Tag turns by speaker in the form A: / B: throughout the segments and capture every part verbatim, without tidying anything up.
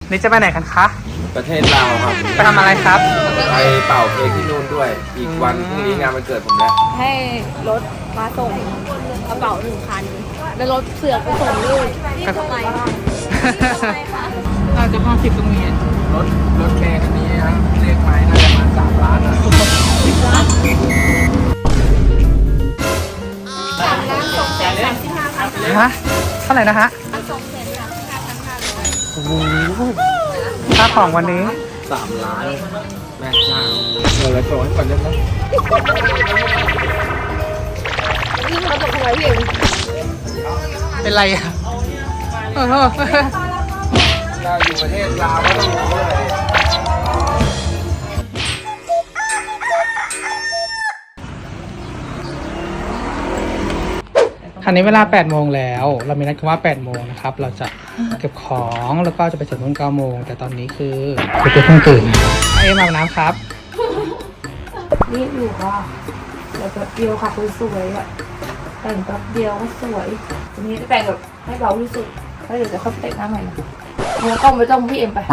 A: นี่จะไปไหนกันคะ
B: ประเทศลาวครับ
A: ไปทำอะไรครับ
B: ไปเป่าเค้กที่นู่นด้วยอีกวันพรุ่งนี้งานวันเกิดผมแล้ว
C: ให้รถมาส่งกระเป๋าหนึ่งคันแล้วรถเสือกไปส่งลูกนี่ทำไมคะ
A: น่าจะห้าสิบตรงนี้
B: รถรถแค่คันนี้นะเลขไม้น่าจะมาสามล้านนะ
C: สิบล้านสามล้านสองแสนสามสิบห้าพัน
A: ฮะเท่าไหร่นะฮะ
C: สองแสนสามสิบห้าพันห้าร้อย
A: โอ้โหค่าของวันนี้
B: สามล้านแม่เจ้าเงินละโจให้ก่อนได้ไหม
C: นี่เราตกอะไรพี่เอง
A: เป็นไรอ่ะ
B: เราอยู่ประเทศลาวก็ต้องรู้เลย
A: คันนี้เวลาแปดโมงแล้วเรามีนัดกันว่าแปดโมงนะครับเราจะเก็บของแล้วก็จะไปถึงนู่นเก้าโมงแต่ตอนนี้คือคือเพิ่งตื่นเอ็มอาบน้ำครับ
C: นี่อยู่ค่ะแต่แป๊บเดียวค่ะสวยๆอ่ะแต่งแป๊บเดียวก็สวยทีนี้แต่งแบบให้เบาที่สุดแล้วเดี๋ยวจะเข้าแต่งหน้าใหม่นะเราต้องไปต้องพี่เอ็มไป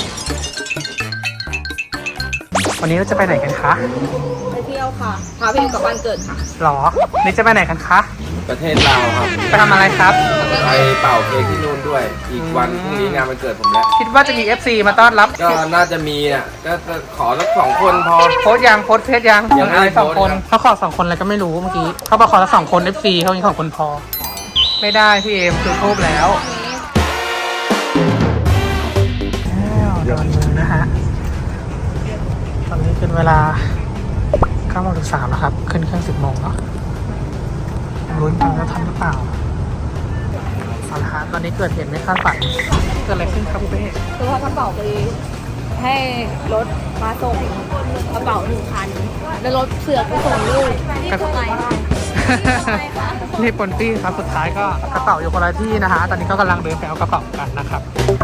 A: วันนี้เราจะไปไหนกันคะ
C: ไปเที่ยวค่ะพาพี่เอ็มกลับบ้านเกิดค่ะ
A: หรอนี่จะไปไหนกันคะ
B: ประเทศลาวครับ
A: ไปทำอะไรครับ
B: ไปเป่าเค้กที่นู่นด้วยอีกวันพรุ่งนี้งานวันเกิดผมแล้ว
A: คิดว่าจะมี เอฟ ซี มาต้อนรับ
B: ก็น่าจะมีอ่ะก็ขอสักสองคนพอ
A: โพสยังโพสเพจยังยังอะไรสองคนเขาขอสองคนอะไรก็ไม่รู้เมื่อกี้เขาบอกขอละสองคน เอฟ ซี เขามีสองคนพอไม่ได้พี่เอ็มคือทูบแล้วดอนเมืองนะฮะตอนนี้เป็นเวลาเก้าโมงถึงสามแล้วครับขึ้นเครื่องสิบโมงเนาะลุ้นกันว่าทันหรือเปล่าเอาละฮะตอนนี้เกิดเหตุไม่คาดฝันเกิดอะไรขึ้นครับพี่เป้
C: คือว่ากระเป๋าไปให้รถมาส่งกระเป๋าหนึ่งคันแล้วรถเสือกไปส่งลูกนี่ทำไมคะ
A: นี่ปนปี้ครับสุดท้ายก็กระเป๋าอยู่คนละที่นะฮะตอนนี้ก็กำลังเดินไปเอากระเป๋ากันนะครับ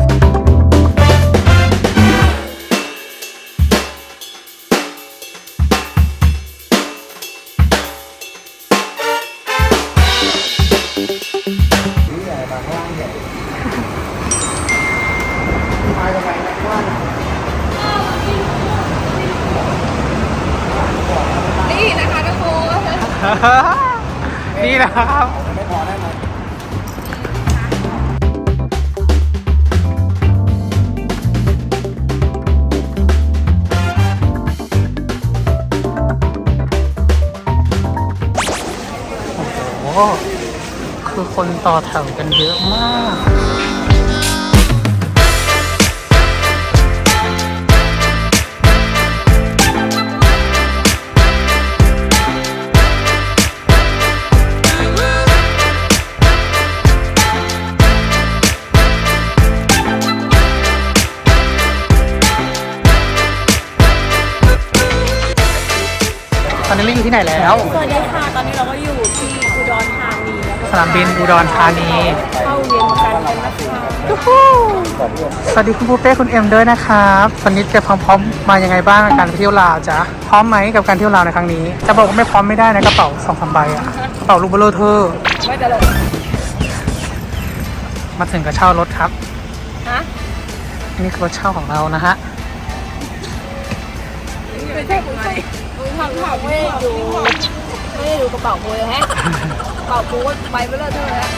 C: นี่นะคะทุกคน
A: นี่นะครับไม่พอได้ไหมโอ้โหคือคนต่อแถวกันเยอะมากตอนนี้เราอยู่ที่ไหนแล้ว
C: สวัสดีค่ะตอนนี้เราก็อยู่ที่อุดรธานีแล้ว
A: สนามบินอุดรธานี
C: เข้าเรียนกันกันนะคะ
A: สวัสดีคุณปูเป้คุณเอ็มด้วยนะครับวันนี้จะพร้อมๆมายังไงบ้างกับการไปเที่ยวลาวจ๊ะพร้อมไหมกับการเที่ยวลาวในครั้งนี้จะบอกว่าไม่พร้อมไม่ได้นะกระเป๋าสองสามใบอะกระเป๋าลูกเบลเลอร์เธอ
C: ไม่จะเลย
A: มาถึงกระเช่ารถครับ
C: ฮะ
A: นี่คือรถเช่าของเรานะฮะ
C: ไม่ใช่คุณมึงทำถามไม่ได้ดูไม่ได้ดูกระเป๋ากูเลยฮะกระเป๋ากูก็ไปไม่เลิกเท่าไหร่แล้ว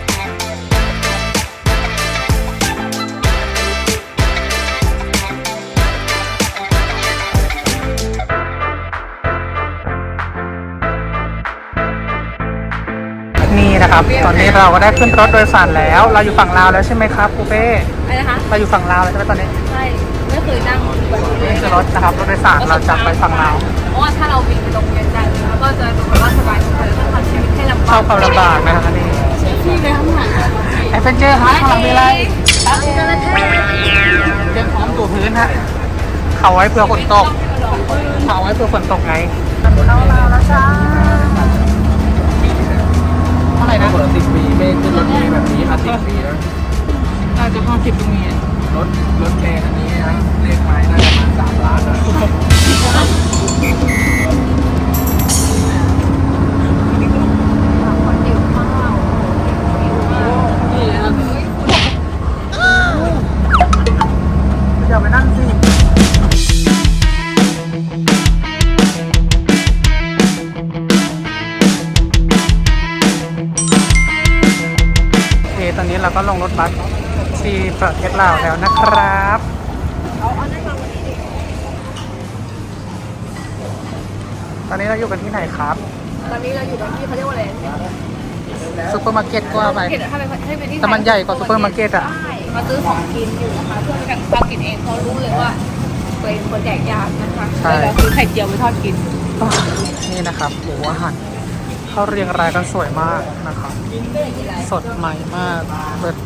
A: นี่นะครับตอนนี้เราก็ได้ขึ้นรถโดยสารแล้วเราอยู่ฝั่งลาวแล้วใช่ไหมครับปูเป้
C: อะไรนะคะ
A: เราอยู่ฝั่งลาวแล้วใช่ไหมตอนนี้
C: ใช่ไม่เคยนั่ง
A: นี่คือรถนะครับรถโดยสารเราจะไปฝั่งลาว
C: เพราะว่าถ้าเราบินไปโรงเรียนกันแล้วก็จะดูว่าสบายๆแล้วก็ทำชีวิตให้ลำบาก
A: เข้าความลำบากนะครับนี่
C: ที่เลยข้างหลัง
A: แอดเวนเจอร์ฮะข้างหลังมีอะไรเตรียมพร้อมตัวพื้นฮะเขาไว้เพื่อฝนตกเขาไว้เพื่อฝนตกไงเข้าลาวแล้วจ้าเท่าไหร่นะ
B: เปิดสิบปีไม่ขึ้นรถเมล์แบบนี้ค่ะสิบปีแล้ว
A: น่าจะห้าสิบตรงนี้
B: รถรถแค่คันนี้นะเลขไม้น่าจะมาสามล้านนะ
A: ก็ลงรถบัสที่ประเทศลาวแล้วนะครับ ตอนนี้เราอยู่กันที่ไหนครับ
C: ตอนนี้เราอยู่กันที่เขาเรียกว่าอะไร
A: ซูเปอร์มาร์เก็ตก็ว่าไป
C: ถ้าเป็นถ้าเป็นที่
A: แต่มันใหญ่กว่าซูเปอร์มาร์เก็ตอะ
C: ใช่มาซื้อของกินอยู่นะคะเพื่อแบ่งปันกินเองเพราะรู้เลยว่าเป็นคนแดกยากนะคะเลยเราซื้อไข่เจียวไปทอดกิน
A: นี่นะครับหมูอาหารเขาเรียงรายกันสวยมากนะครับ สดใหม่มากเปิด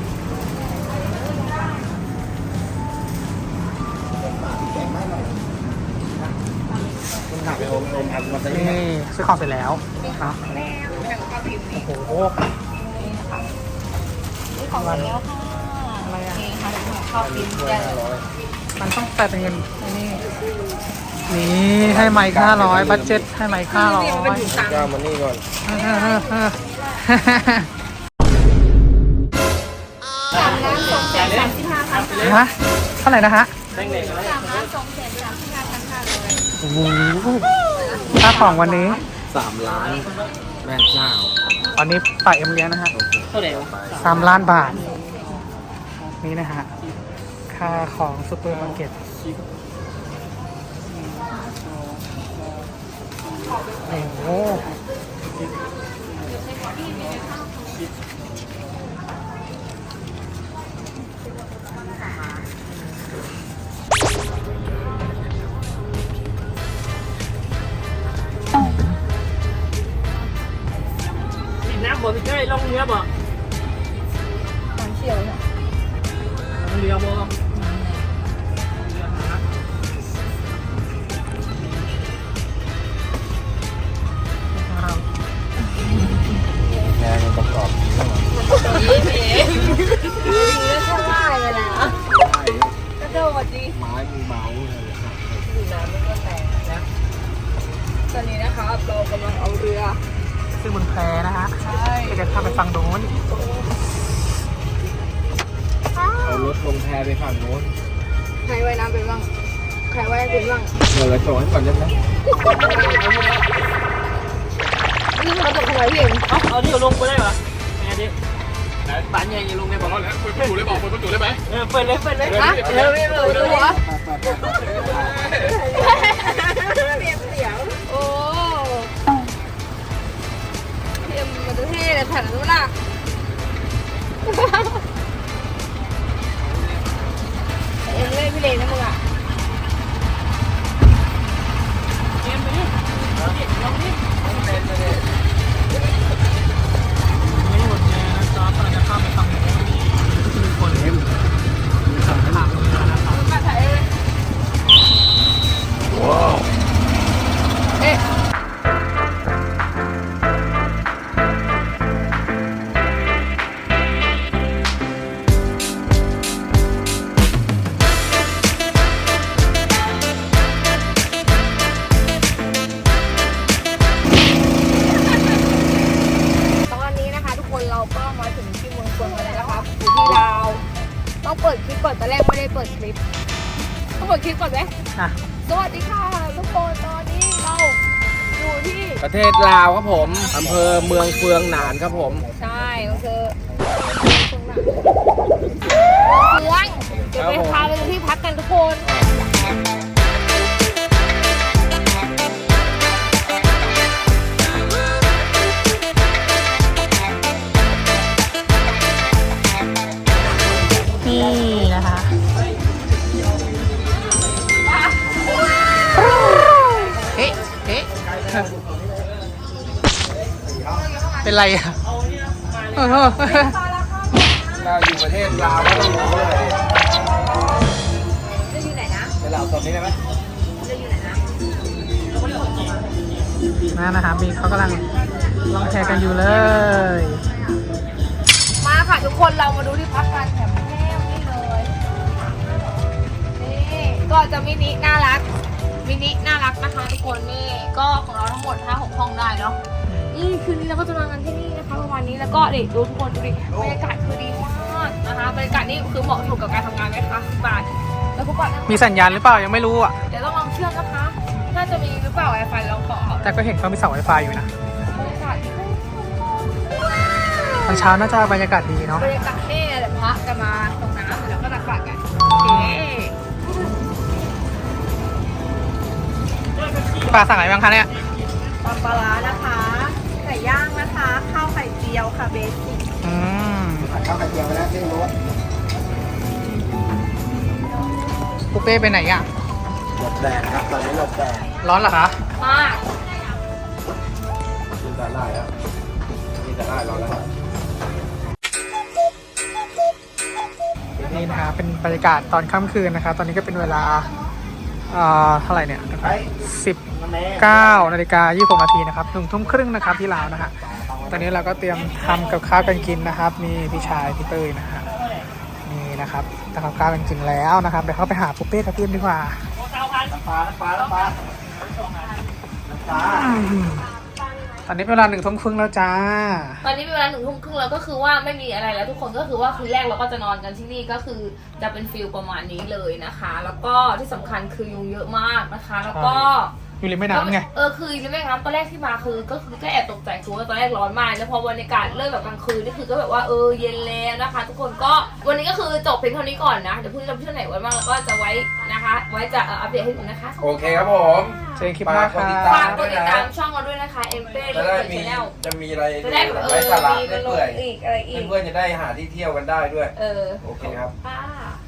A: นี่ซื้อของเสร็จแล้วนะโอ้โห
C: นี่ของแล้วค่ะอะไรอ่ะนี่ค่ะข้าวกินแกง
A: มันต้องแต่เป็นเงินไอ้นี่นี่ให้ไมค์ห้าร้อยบัตเจ็ตให้ไมค์ห้าร้อย
B: ก็เอามานี่ก่อน
C: สามล้านสองแสนสามสิบห้าพัน
A: ฮะเท่าไหร่นะฮะ
C: สามล้านสองแสนสามสิบห้าพันค่ะเลย
A: โอ้โหค่าของวันนี้
B: สามล้านแม่เจ้า
A: วันนี้ฝ่ายเอ็มเลี้ยงนะฮะสามล้านบาท นี่นะฮะ ค่าของซูเปอร์มาร์เก็ตโอ้โหน้ำบ่พี่เจ้ยลงเรือบ่
C: มันเชี่ยวเนี่ย
A: ลงเรือบ่
B: แงมันประกอบนี้แล้วเหรอ
C: ดีแล้วใช่ไหมเลยนะกระโดดดี
B: ไม้มันเบาเลยครับ
C: ดูน้ำมันก็แตกนะตอนนี้นะคะเรากำลังเอาเรือ
A: ซึ่งบนแพนะฮะ
C: ใช่
A: ก็จะข้ามไปฝั่งโน้น
B: เอารถลงแพไปฝั่งโน้น
C: ใครว่ายน้ำเป็นบ้างใครว่ายเป็นบ้าง
B: เดี๋ยวเราส่งให้ก่อนได้ไหม
C: นี่มันกระโดดทำไมพี่เอ็ม
A: เอาเอานี่ลงไปได้ปะไงดิบ้านใหญ่ยังลงได้ปะ
B: แล้วเปิดประตูเลยบอกเปิดประตูเลยไหม
A: เออเปิดเลยเปิดเลย
C: ฮะเดี๋ยวพี่เปิดตัวเปลี่ยนเสียงโอ้พี่เอ็มมันจะเท่เลยแผ่นนู้นน่ะเอ็มเล่นพี่เลนนะมึงอ่ะ
A: เกมไปดิลองดิลองดิไม่หมดแน่นะจ๊อบกำลังจะข้ามไปฝั่งโน้นมีคนเล่นถามเลยนะครับ
C: มาถ่ายเลย
B: ว้าว
C: เอ๊ะ ตอนนี้นะคะทุกคนเราก็มาถึงที่เมืองชนกันแล้วนะครับอยู่ที่ลาวต้องเปิดคลิปก่อนตอนแรกไม่ได้เปิดคลิปต้องเปิดคลิปก่อนไหม
A: อ่ะ
C: สวัสดีค่ะทุกคนตอนนี้เราอยู่ที่
B: ประเทศลาวครับผมอำเภอเมืองเฟืองหนานครับผม
C: ใช่ก็คือเมืองเมืองเดี๋ยวไปพาไปดูที่พักกันทุกคน
A: นี่นะคะเอ๊ะเอ๊ะเป็นไรอ่ะเออ
B: เราอยู่ประเทศลาวก็ต้องรู้เลย
C: จะอยู่ไหนนะ
B: ไปลาวตอนนี้ได้ไหม
C: จะอยู่ไหนนะ
A: นั่นนะคะมีเขากำลังลองแชร์กันอยู่เลย
C: มาค่ะทุกคนเรามาดูที่พักกันแถมแก้วนี่เลยนี่ก็จะมินิน่ารักมินิน่ารักนะคะทุกคนนี่ก็ของเราทั้งหมดห้าหกห้องได้เนาะนี่คืนนี้เราก็จะนอนกันที่นี่นะคะประมาณนี้แล้วก็เด็กดูทุกคนดูดิบรรยากาศคือดีมากนะคะบรรยากาศนี่คือเหมาะสมกับการทำงานไหมคะบาทแล้วทุกคน
A: มีสัญญาณหรือเปล่ายังไม่รู้อ่ะ
C: เดี๋ยวต้องลองเชื่อมนะคะ น่าจะมีหรือเปล่า Wi-Fi ลองขอ
A: แต่ก็เห็นเขามีเสาไวไฟอยู่นะ
C: บรรยากาศ
A: ตอนเช้าน่าจะบรรยากาศดีเนาะ
C: บรรยากาศนี่แหละพระจะมาตรงน้ำแล้วก็ตักบาตรกันโอเค
A: ปลาสั่งอะไรบ้างคะเนี่ย
D: ตำปลาร้านะคะไก่ย่างนะคะข้าวไข่เจียวค่ะเบสิก
A: อืม
B: ข้าวไข่เจียวไปแล้วเส้นรส
A: ปุเป้ไปไหนอ่ะ
B: หลบแดดครับตอนนี้หลบแดด
A: ร้อนเหรอคะ
C: มาก
B: กินแต่ได้แล้วกินแต่ได้รอแล้ว
A: นี่นะคะเป็นบรรยากาศตอนค่ำคืนนะคะ ตอนนี้ก็เป็นเวลาเอ่อเท่าไหร่เนี่ยสิบเก้านาฬิกายี่สิบหกนาทีนะครับหนึ่งทุ่มครึ่งนะครับที่ลาวนะฮะตอนนี้เราก็เตรียมทำกับข้าวกันกินนะครับมีพี่ชายพี่เต้ยนะฮะนี่นะครับทำกับข้าวกันกินแล้วนะครับเดี๋ยวเข้าไปหาปุเป้กับพี่เอ็มดีกว่า
B: ปลาปลาปลาปลา
A: ตอนนี้เป็นเวลาหนึ่งทุ่มครึ่งแล้วจ้า
C: ตอนนี้เป็นเวลาหนึ่งทุ่มครึ่งแล้วก็คือว่าไม่มีอะไรแล้วทุกคนก็คือว่าคืนแรกเราก็จะนอนกันที่นี่ก็คือจะเป็นฟิลประมาณนี้เลยนะคะ แล้วก็ที่สำคัญคือยุงเยอะมากนะคะ แล้วก็
A: อยู่ริมแม่น้ำไง
C: เออคือริมแม่น้ำตอนแรกที่มาคือก็คือก็แอบตกใจคือว่าตอนแรกร้อนมากแล้วพอบรรยากาศเริ่มแบบกลางคืนนี่คือก็แบบว่าเออเย็นแล้วนะคะ ทุกคนก็วันนี้ก็คือจบเพียงเท่านี้ก่อนนะเดี๋ยวพรุ่งนี้เราไปเที่ยวไหนวันบ้างแล้วก็จะไว้นะคะ ไว้จะอัปเดตให้ดูนะคะ
B: โอเคครับผม
A: เจอกันคลิปหน้าค่ะ
C: ฝากกดติดตามช่องเราด้วยนะคะเอ็มเป้
B: จะ
C: และ
B: ได้
C: เปิด
B: มี
C: ชแนล
B: จะมีอะไร
C: จะได้แบบเอ
B: ไร้
C: อ
B: สาระ
C: มี
B: ได้
C: มาลง
B: เปื่อย
C: อีกอะไรอีก
B: เพื่อนๆจะได้หาที่เที่ยวกันได้ด้วย
C: เออ
B: โอเคครับ
C: ค่ะ